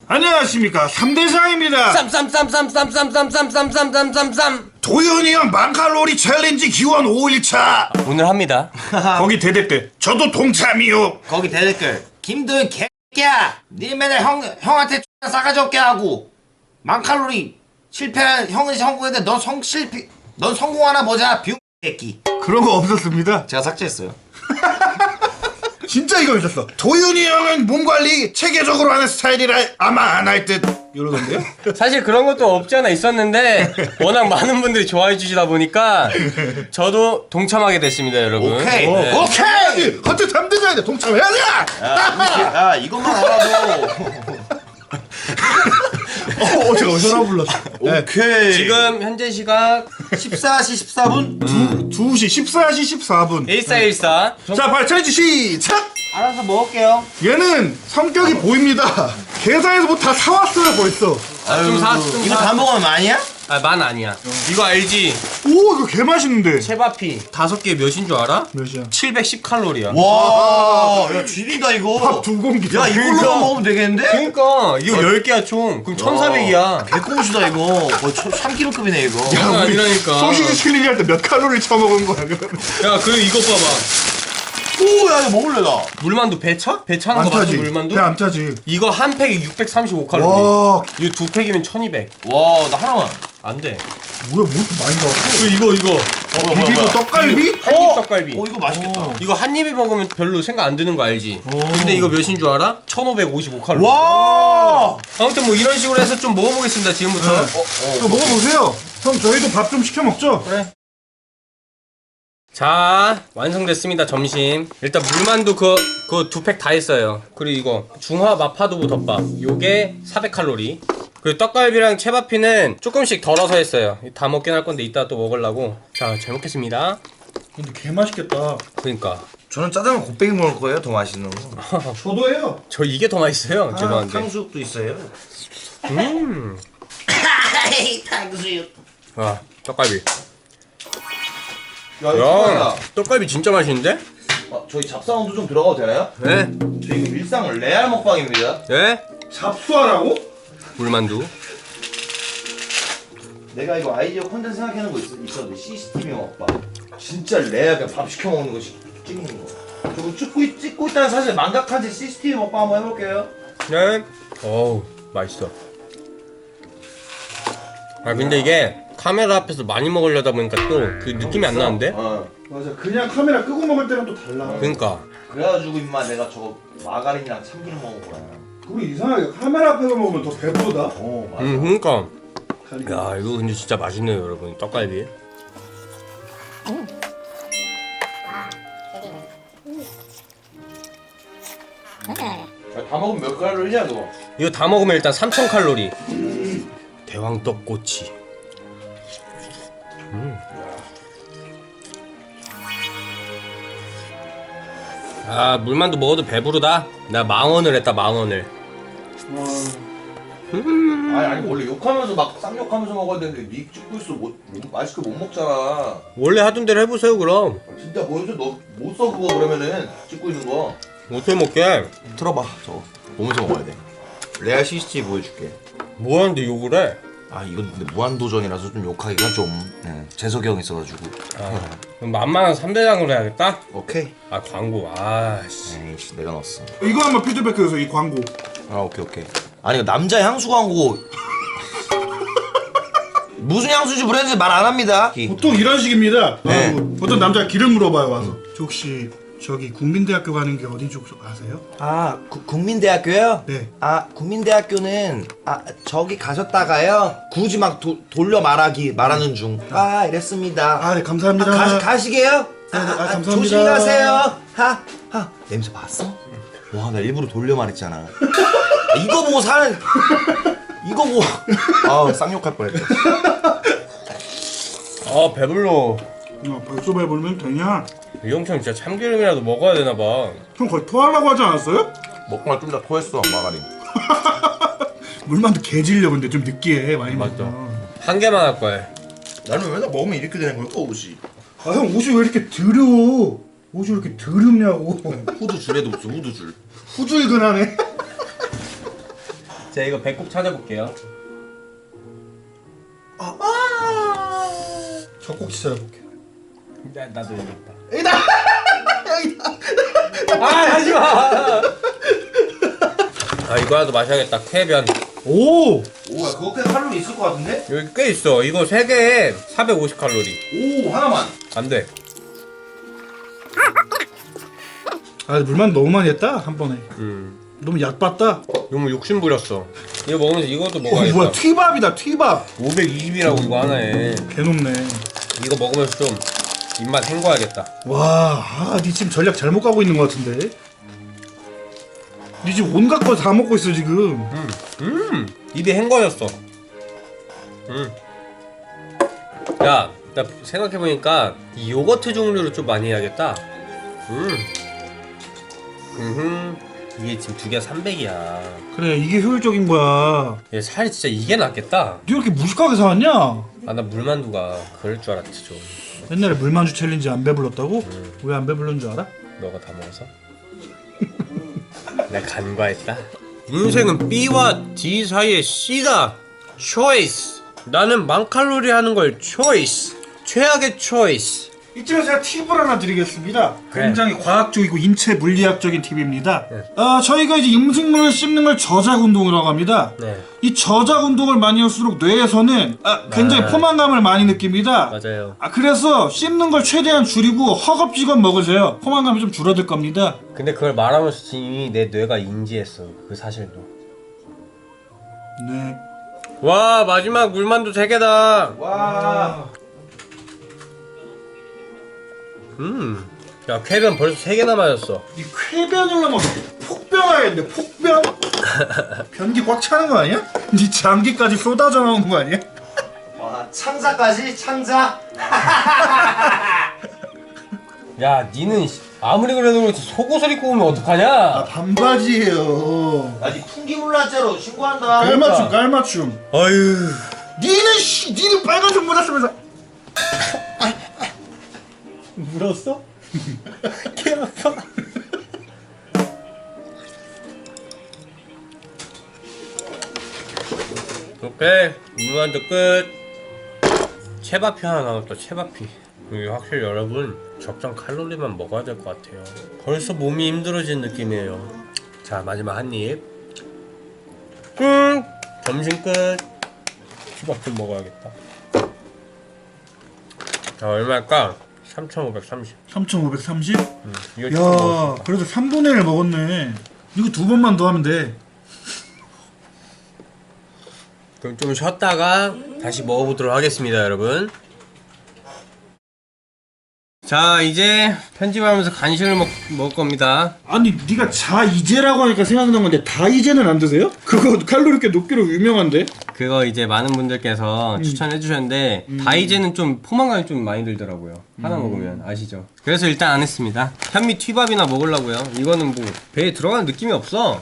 안녕하십니까, 삼대장입니다. 쌈쌈쌈쌈쌈쌈쌈쌈쌈쌈쌈쌈쌈 도현이 형 만칼로리 챌린지 기원 5일차. 오늘 합니다. 거기 대댓글 저도 동참이요. 거기 대댓글 김도현 개야 니 맨날 형한테 X나 싸가지 없게 하고 만칼로리 실패한 형은 성공했는데 넌 성공하나 보자 비웅 새끼. 그런 거 없었습니다. 제가 삭제했어요. 진짜 이거 있었어. 도현이 형은 몸관리 체계적으로 하는 스타일이라 아마 안 할 듯 이러던데요. 사실 그런 것도 없지 않아 있었는데 워낙 많은 분들이 좋아해 주시다 보니까 저도 동참하게 됐습니다, 여러분. 오케이. 네. 오케이. 같은 삼대장인데 동참해야지. 야 이것만 알아도 제가 전화 불렀어. 오케이. 지금 현재 시각 14시 14분 2시 14시 14분. 1414. 자, 빨리 챌린지 시작. 알아서 먹을게요. 얘는 성격이 보입니다. 계산해서 뭐 다 사왔어요 벌써. 좀 이거 다 먹으면 많이야? 만 아니야. 이거 알지? 오, 이거 개 맛있는데. 채바피 5개 몇인 줄 알아? 몇이야? 710칼로리야. 와, 야 죽인다 이거. 밥 2공기. 야 이걸로만 먹으면 되겠는데? 그러니까 이거 10개야 총. 그럼 1400이야. 개꽁수다 이거. 거의 3kg급이네 이거. 장난 아니라니까. 소시지 챌린지 할 때 몇 칼로리 쳐먹은 거야 그러면? 야, 그리고 이것 봐봐. 오, 야 이거 먹을래 나. 물만두 배 차? 배 차는 안 거 맞아, 타지. 물만두? 배 안 타지. 이거 한 팩에 635칼로리. 와, 이거 2팩이면 1200. 와, 나 하나만. 안 돼. 뭐야, 뭐 이렇게 많이 나왔어? 이거. 비비고 떡갈비? 한입 떡갈비. 이거 맛있겠다. 이거 한 입에 먹으면 별로 생각 안 드는 거 알지? 근데 이거 몇인 줄 알아? 1555칼로리. 와. 아무튼 뭐 이런 식으로 해서 좀 먹어보겠습니다, 지금부터. 이거 먹어보세요. 형, 저희도 밥 좀 시켜 먹죠? 그래. 자, 완성됐습니다, 점심. 일단 물만두 그거 2팩 다 했어요. 그리고 이거 중화 마파두부 덮밥. 요게 400칼로리. 그리고 떡갈비랑 채바피는 조금씩 덜어서 했어요. 다 먹긴 할 건데 이따 또 먹으려고. 자, 잘 먹겠습니다. 근데 개 맛있겠다. 그러니까 저는 짜장면 곱빼기 먹을 거예요. 더 맛있는 거. 저도 해요. 저 이게 더 맛있어요. 죄송한데. 탕수육도 있어요. 탕수육. 와, 떡갈비. 야, 야, 떡갈비 진짜 맛있는데? 저희 잡사원도 좀 들어가도 되나요? 네. 저희 이거 일상 레알 먹방입니다. 네. 잡수하라고? 물만두. 내가 이거 아이디어 콘텐츠 생각해놓은 거 있었는데 CCTV 먹방. 진짜 레알 그냥 밥 시켜 먹는 거 찍는 거. 저거 찍고 있다는 사실 망각한 지 CCTV 먹방 한번 해볼게요. 네. 어우, 맛있어. 아, 근데 이게 카메라 앞에서 많이 먹으려다 보니까 또 그 느낌이 안 나는데? 맞아. 그냥 카메라 끄고 먹을 때랑 또 달라. 그러니까. 그래가지고 임마 내가 저거 마가린이랑 참기름 먹어보라. 우리 이상하게 카메라 앞에서 먹으면 더 배부르다. 맞아. 그러니까. 야, 이거 근데 진짜 맛있네요, 여러분. 떡갈비. 다 먹으면 몇 칼로리냐 그거? 이거 다 먹으면 일단 3000칼로리. 대왕떡꼬치. 아, 물만두 먹어도 배부르다. 나 망원을 했다, 망원을. 아니 원래 욕하면서 막 쌍욕하면서 먹어야 되는데 니 찍고 있어 맛있게 못 먹잖아. 원래 하던 대로 해보세요, 그럼. 진짜 보여줘. 너 못 써 그거 그러면은 찍고 있는 거. 어떻게 먹게? 들어봐 저거 보면서 먹어야 돼. 레알 CCTV 보여줄게. 뭐 하는데 욕을 해? 아 이건 근데 무한도전이라서 좀 욕하기가 좀 재석이 형 있어가지고. 그럼 만만한 3대장으로 해야겠다? 오케이. 아, 광고. 아, 씨. 에이씨 내가 넣었어. 이거 한번 피드백해서 이 광고. 아 오케이. 아니 남자 향수 광고. 무슨 향수인지 브랜드 말 안 합니다. 보통 이런 식입니다. 네. 보통 남자가 길을 물어봐요 와서. 저 혹시 저기 국민대학교 가는 게 어디 쪽 아세요? 아 국민대학교요? 네. 아 국민대학교는 저기 가셨다가요 굳이 막 돌려 말하는 중. 이랬습니다. 아, 네, 감사합니다. 가시게요? 네, 감사합니다. 조심히 가세요. 냄새 봤어? 와 나 일부러 돌려 말했잖아. 이거 보고 사는 이거 보고 쌍욕할 뻔했다. 아, 배불러. 벌써 배부르면 되냐? 이 형처럼 진짜 참기름이라도 먹어야 되나봐. 형 거의 토하려고 하지 않았어요? 먹고 좀 다 토했어 마가린. 물만두 개질려 근데 좀 느끼해 많이 맞다. 먹으면. 한 개만 할 거야. 나는 맨날 먹으면 이렇게 되는 걸까 옷이? 아, 형 옷이 왜 이렇게 더러워? 옷이 왜 이렇게 더럽냐고. 후드 줄에도 없어 후드 줄. 후줄근하네. 자 이거 배꼽 찾아볼게요. 젖꼭지 찾아볼게. 나도 여기 있다. 여기다. 아 하지마. 아 이거라도 마셔야겠다. 쾌변. 오. 오야 그거 꽤 칼로리 있을 것 같은데? 여기 꽤 있어. 이거 3개에 450칼로리. 오 하나만. 안돼. 아 물만 너무 많이 했다 한 번에. 너무 약 봤다. 너무 욕심 부렸어. 이거 먹으면서 이것도 먹어야겠다. 뭐야 튀밥이다 튀밥. 520이라고 이거 하나에. 개높네. 이거 먹으면서 좀 입맛 헹궈야겠다. 와, 니 지금 전략 잘못 가고 있는 것 같은데. 니 지금 온갖 거 다 먹고 있어 지금. 입이 헹궈졌어. 야, 나 생각해보니까 이 요거트 종류를 좀 많이 해야겠다. 이게 지금 2개 300이야. 그래 이게 효율적인 거야. 얘 살이 진짜 이게 낫겠다. 니 왜 이렇게 무식하게 사왔냐? 아, 나 물만두가 그럴 줄 알았지 좀. 옛날에 물만주 챌린지 안 배불렀다고? 왜 안 배불른 줄 알아? 너가 다 먹어서? 내가 간과했다. 인생은 B와 D 사이의 C다. 초이스. 나는 만칼로리 하는 걸 초이스. 최악의 초이스. 이쯤에서 제가 팁을 하나 드리겠습니다. 그래. 굉장히 과학적이고 인체 물리학적인 팁입니다. 네. 저희가 이제 음식물을 씹는 걸 저작 운동이라고 합니다. 네, 이 저작 운동을 많이 할수록 뇌에서는 굉장히 포만감을 많이 느낍니다. 맞아요. 그래서 씹는 걸 최대한 줄이고 허겁지겁 먹으세요. 포만감이 좀 줄어들 겁니다. 근데 그걸 말하면서 이미 내 뇌가 인지했어. 그 사실도. 네. 와, 마지막 물만두 3개다. 와. 야, 쾌변 벌써 3개나 맞았어. 이 쾌변을 넘어 폭변하겠네. 폭변? 변기 꽉 차는 거 아니야? 네 장기까지 쏟아져 나오는 거 아니야? 와 창자까지 창자. 야, 니는 아무리 그래도 그렇지 속옷을 입고 오면 어떡하냐? 반바지예요. 아니 풍기물라죄로 신고한다. 깔맞춤 깔맞춤. 아유. 니는 빨간색 물었으면서 물었어? 개 아파. 오케이, 물만두 끝. 채바피 하나 남았다. 채바피. 이게 확실히 여러분 적정 칼로리만 먹어야 될 것 같아요. 벌써 몸이 힘들어진 느낌이에요. 자, 마지막 한 입. 점심 끝. 초밥 좀 먹어야겠다. 자, 얼마일까? 3,530. 3,530? 이거 조금 야 먹었다. 그래도 3분의 1 먹었네. 이거 2번만 더 하면 돼. 그럼 좀 쉬었다가 다시 먹어보도록 하겠습니다, 여러분. 자, 이제 편집하면서 간식을 먹을 겁니다. 아니 네가 자이제라고 하니까 생각난 건데 다이제는 안 드세요? 그거 칼로리 꽤 높기로 유명한데? 그거 이제 많은 분들께서 추천해 주셨는데 다이제는 좀 포만감이 좀 많이 들더라고요. 하나 먹으면 아시죠? 그래서 일단 안 했습니다. 현미 튀밥이나 먹으려고요. 이거는 뭐 배에 들어가는 느낌이 없어.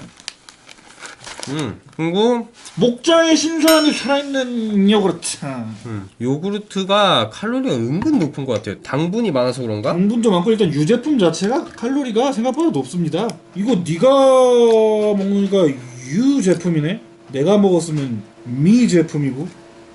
그리고 목장의 신선함이 살아있는 요구르트. 요구르트가 칼로리가 은근 높은 것 같아요. 당분이 많아서 그런가? 당분도 많고 일단 유제품 자체가 칼로리가 생각보다 높습니다. 이거 네가 먹으니까 유 제품이네. 내가 먹었으면 미 제품이고.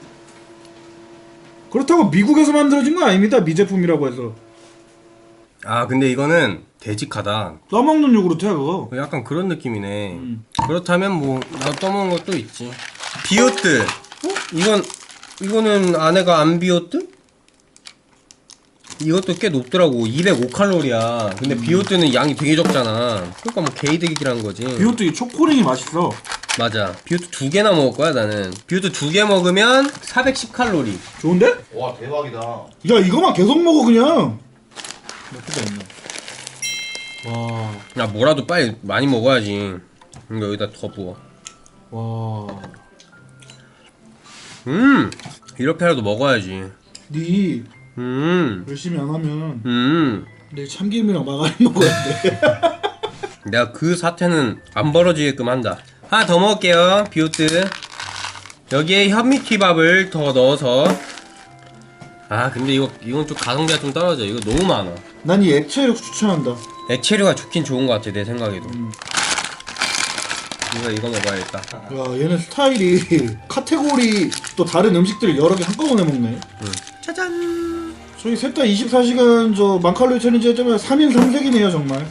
그렇다고 미국에서 만들어진 건 아닙니다. 미 제품이라고 해서. 아, 근데 이거는 되직하다. 떠먹는 요구르트야 그거. 약간 그런 느낌이네. 그렇다면 뭐 나 떠먹은 것도 있지. 비오트. 이거는 아내가 안 비오트? 이것도 꽤 높더라고. 205칼로리야. 근데 비오트는 양이 되게 적잖아. 그러니까 뭐 개이득이란 거지. 비오트 이 초코링이 맛있어. 맞아. 비오트 2개나 먹을 거야 나는. 비오트 2개 먹으면 410칼로리. 좋은데? 와 대박이다. 야 이거만 계속 먹어 그냥. 몇개가 있네. 와. 야, 뭐라도 빨리 많이 먹어야지. 이거 여기다 더 부어. 와. 이렇게라도 먹어야지. 네 열심히 안 하면 내일 참기름이랑 마가린 먹어야 돼. 내가 그 사태는 안 벌어지게끔 한다. 하나 더 먹을게요. 비오트. 여기에 현미튀밥을 더 넣어서. 아, 근데 이건 좀 가성비가 좀 떨어져. 이거 너무 많아. 난 이 액체를 추천한다. 액체류가 좋긴 좋은 것 같아, 내 생각에도. 이거 먹어야겠다. 야 얘는 스타일이 카테고리 또 다른 음식들을 여러 개 한꺼번에 먹네. 짜잔. 저희 셋 다 24시간 저 만칼로리 챌린지 했자면 3일 3색이네요 정말.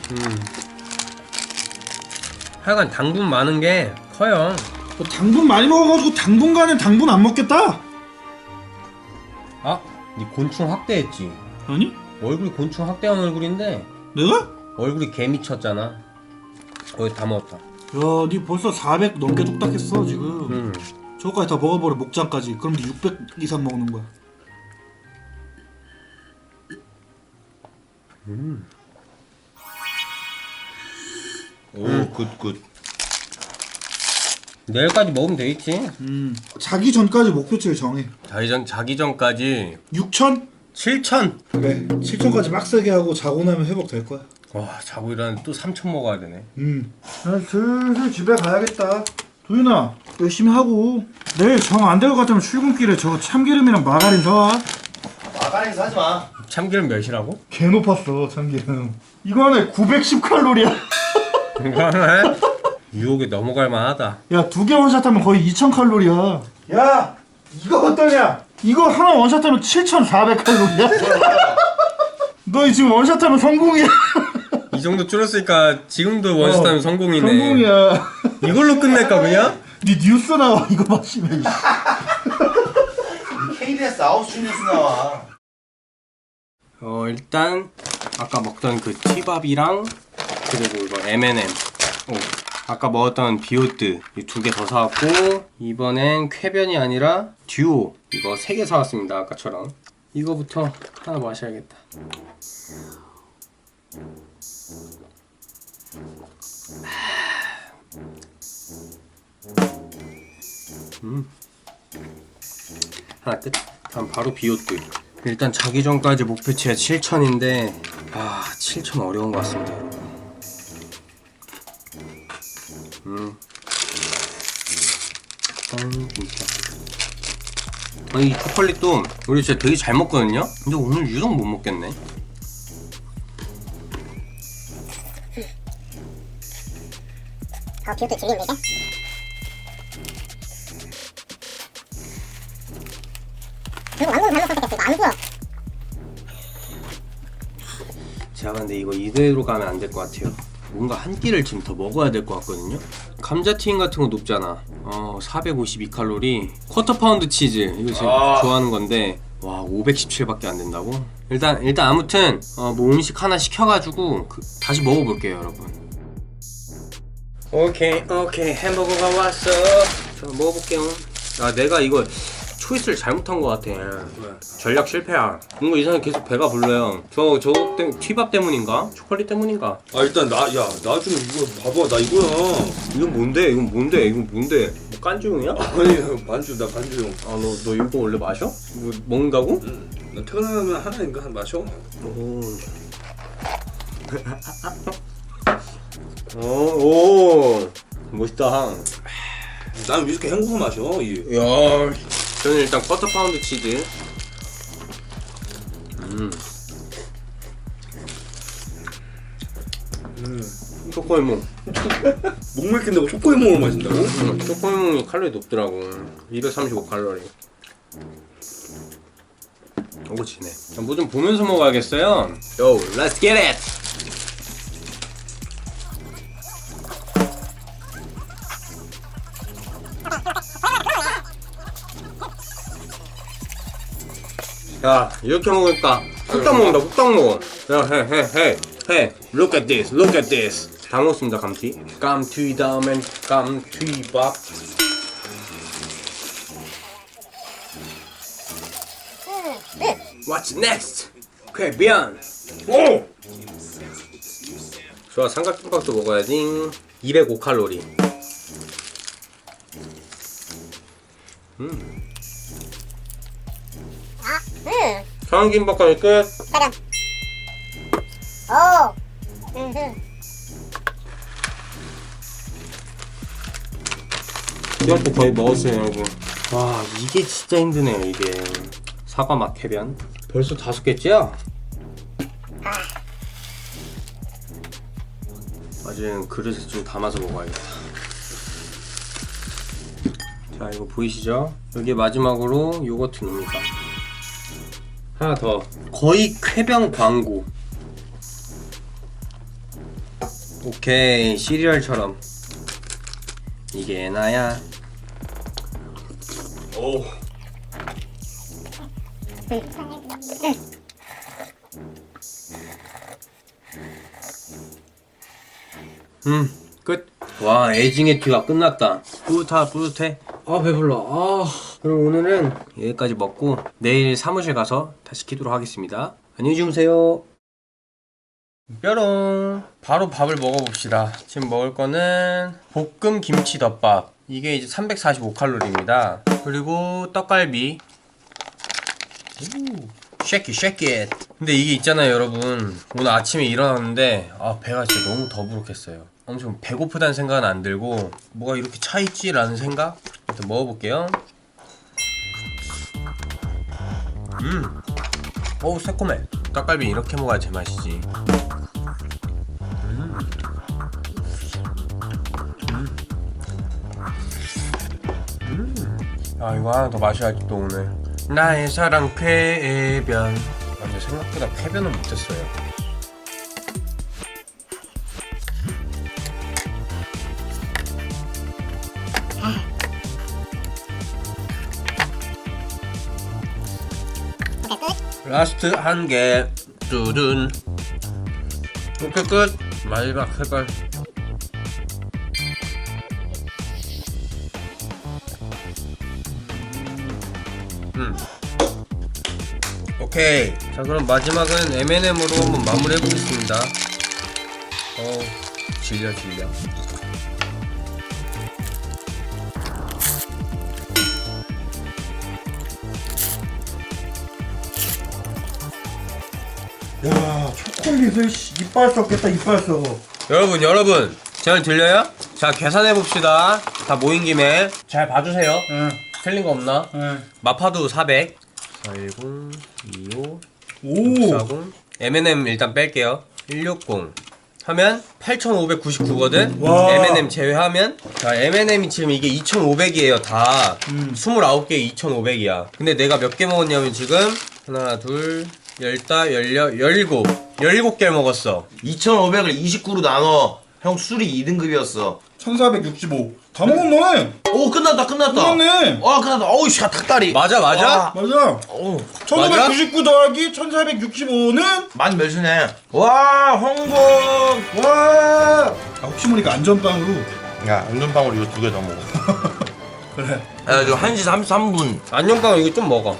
하여간 당분 많은 게 커요. 뭐 당분 많이 먹어가지고 당분간은 당분 안 먹겠다. 아, 니 곤충 학대했지? 아니? 얼굴이 곤충 학대한 얼굴인데 내가? 얼굴이 개 미쳤잖아. 거의 다 먹었다. 야, 니 벌써 400 넘게 뚝딱했어 지금. 저거까지 다 먹어버려 목장까지. 그럼 니 600 이상 먹는 거야. 오 굿굿. 내일까지 먹으면 되겠지. 자기 전까지 목표치를 정해. 자기 전까지 6천? 7,000. 그래 7천까지 빡세게 하고 자고 나면 회복될 거야. 와, 자고 일어나는데 또 3,000 먹어야 되네. 나 슬슬 집에 가야겠다. 도윤아 열심히 하고 내일 정 안 될 것 같으면 출근길에 저 참기름이랑 마가린 사와. 마가린 사지 마. 참기름 몇이라고? 개 높았어 참기름. 이거 하나에 910칼로리야. 이거 하나에 유혹에 넘어갈 만하다. 야, 2개 원샷하면 거의 2000칼로리야. 야, 이거 어떠냐? 이거 하나 원샷하면 7400칼로리야? 너 지금 원샷하면 성공이야. 이 정도 줄었으니까 지금도 원스타면 성공이네. 성공이야. 이걸로 끝낼까 그냥? 니 뉴스 나와 이거 마시면. KBS 9시 뉴스 나와. 일단 아까 먹던 그 티밥이랑 그리고 이거 M&M. 아까 먹었던 비오트 이 2개 더 사왔고 이번엔 쾌변이 아니라 듀오 이거 3개 사왔습니다. 아까처럼 이거부터 하나 마셔야겠다. 하나 끝. 다음 바로 비오트. 일단 자기 전까지 목표치가 7,000인데 7,000 어려운 것 같습니다, 여러분. 진짜. 이 초콜릿도 우리 진짜 되게 잘 먹거든요? 근데 오늘 유독 못 먹겠네. 비오트 질린데 이제? 그리고 완전 잘못 선택했어. 이거 안 보여. 제가 근데 이거 이대로 가면 안 될 것 같아요. 뭔가 한 끼를 지금 더 먹어야 될 것 같거든요. 감자튀김 같은 거 높잖아. 452칼로리. 쿼터 파운드 치즈 이거 제가 좋아하는 건데 와 517밖에 안 된다고? 일단 아무튼 뭐 음식 하나 시켜가지고 다시 먹어볼게요, 여러분. 오케이 햄버거가 왔어. 자 먹어볼게요. 내가 이거 초이스를 잘못한 것 같아. 전략 실패야. 뭔가 이상하게 계속 배가 불러요. 저거 때문에 튀밥 때문인가? 초콜릿 때문인가? 일단 나 좀 이거 봐봐. 나 이거야. 이건 뭔데? 이건 뭔데? 뭐 깐주용이야? 아니 반주 나 반주용. 너 이거 원래 마셔? 뭐 먹는다고? 나 퇴근하면 하나인가 한 마셔. 오 멋있다. 난 위스키 헹궈서 마셔. 야, 저는 일단 쿼터 파운드 치즈. 초코에몽. 목 맥힌다고 초코에몽을 마신다고? 초코에몽이 칼로리 높더라고. 235칼로리. 오지네. 뭐 좀 보면서 먹어야겠어요. Yo, let's get it. 야, 이렇게 먹으니까 후딱 먹는다. 후딱 먹어. 야, 해. Look at this. 다 먹었습니다. 감튀 다음엔 감튀밥. What's next? 쾌변. 오! 좋아, 삼각김밥도 먹어야지. 205칼로리. 삼각김밥까지 끝. 가자. 오. 이것도 거의 먹었어요, 여러분. 와, 이게 진짜 힘드네요, 이게. 사과 맛 쾌변. 벌써 5개째야? 아직 그릇에 좀 담아서 먹어야겠다. 자, 이거 보이시죠? 여기 마지막으로 요거트 넣습니다. 하나 더. 거의 쾌변 광고. 오케이, 시리얼처럼. 이게 나야. 오. 끝. 와, 에징의 튀가 끝났다. 뿌듯해. 아, 배불러. 그럼 오늘은 여기까지 먹고 내일 사무실 가서 다시 키도록 하겠습니다. 안녕히 주무세요. 뾰롱. 바로 밥을 먹어봅시다. 지금 먹을 거는 볶음 김치 덮밥. 이게 이제 345칼로리입니다. 그리고 떡갈비. 쉐킷. 근데 이게 있잖아요, 여러분. 오늘 아침에 일어났는데 배가 진짜 너무 더부룩했어요. 엄청 배고프다는 생각은 안 들고 뭐가 이렇게 차있지? 라는 생각? 일단 먹어볼게요. 어우, 새콤해. 떡갈비 이렇게 먹어야 제맛이지. 이거 하나 더 마셔야지 또 오늘. 나의 사랑 쾌변. 근데 생각보다 쾌변은 못했어요. 라스트 한 개. 뚜둔. 오케이, 끝. 마지막 색깔. 오케이. 자, 그럼 마지막은 M&M으로 한번 마무리 해보겠습니다. 질려. 야, 초콜릿을 이빨 썩겠다, 이빨 썩어. 여러분, 제 말 들려요? 자, 계산해봅시다. 다 모인 김에. 잘 봐주세요. 틀린 거 없나? 마파두 400. 410, 25, 오. 640. M&M 일단 뺄게요. 160. 하면 8,599거든? 와. M&M 제외하면. 자, M&M이 지금 이게 2,500이에요, 다. 29개 2,500이야. 근데 내가 몇 개 먹었냐면 지금 하나, 둘, 17개를 먹었어. 2,500을 29로 나눠. 형 술이 2등급이었어. 1465. 다 먹었네. 오, 끝났다. 끝났네. 끝났다. 어우, 씨, 닭다리. 맞아. 맞아. 오, 1599 더하기 1465는 많이 멸수네. 와, 홍콩. 와. 혹시 모르니까 안전빵으로. 야, 안전빵으로 이거 2개 더 먹어. 그래. 야, 지금 1시 33분. 안녕빵 이거 좀 먹어.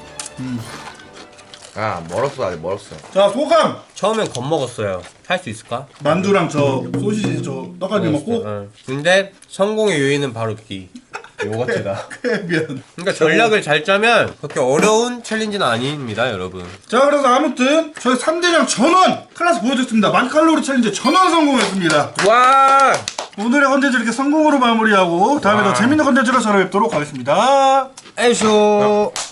야, 멀었어, 아직 멀었어. 자, 소감. 처음엔 겁먹었어요. 할 수 있을까? 만두랑 저 소시지 저 떡갈비 먹고. 근데 성공의 요인은 바로 요거트다. 쾌변. 그러니까 전략을 잘 짜면 그렇게 어려운 챌린지는 아닙니다, 여러분. 자, 그래서 아무튼 저희 3대장 전원 클래스 보여줬습니다. 만칼로리 챌린지 전원 성공했습니다. 와! 오늘의 컨텐츠 이렇게 성공으로 마무리하고 다음에 더 재밌는 컨텐츠로 찾아뵙도록 하겠습니다. 에쇼.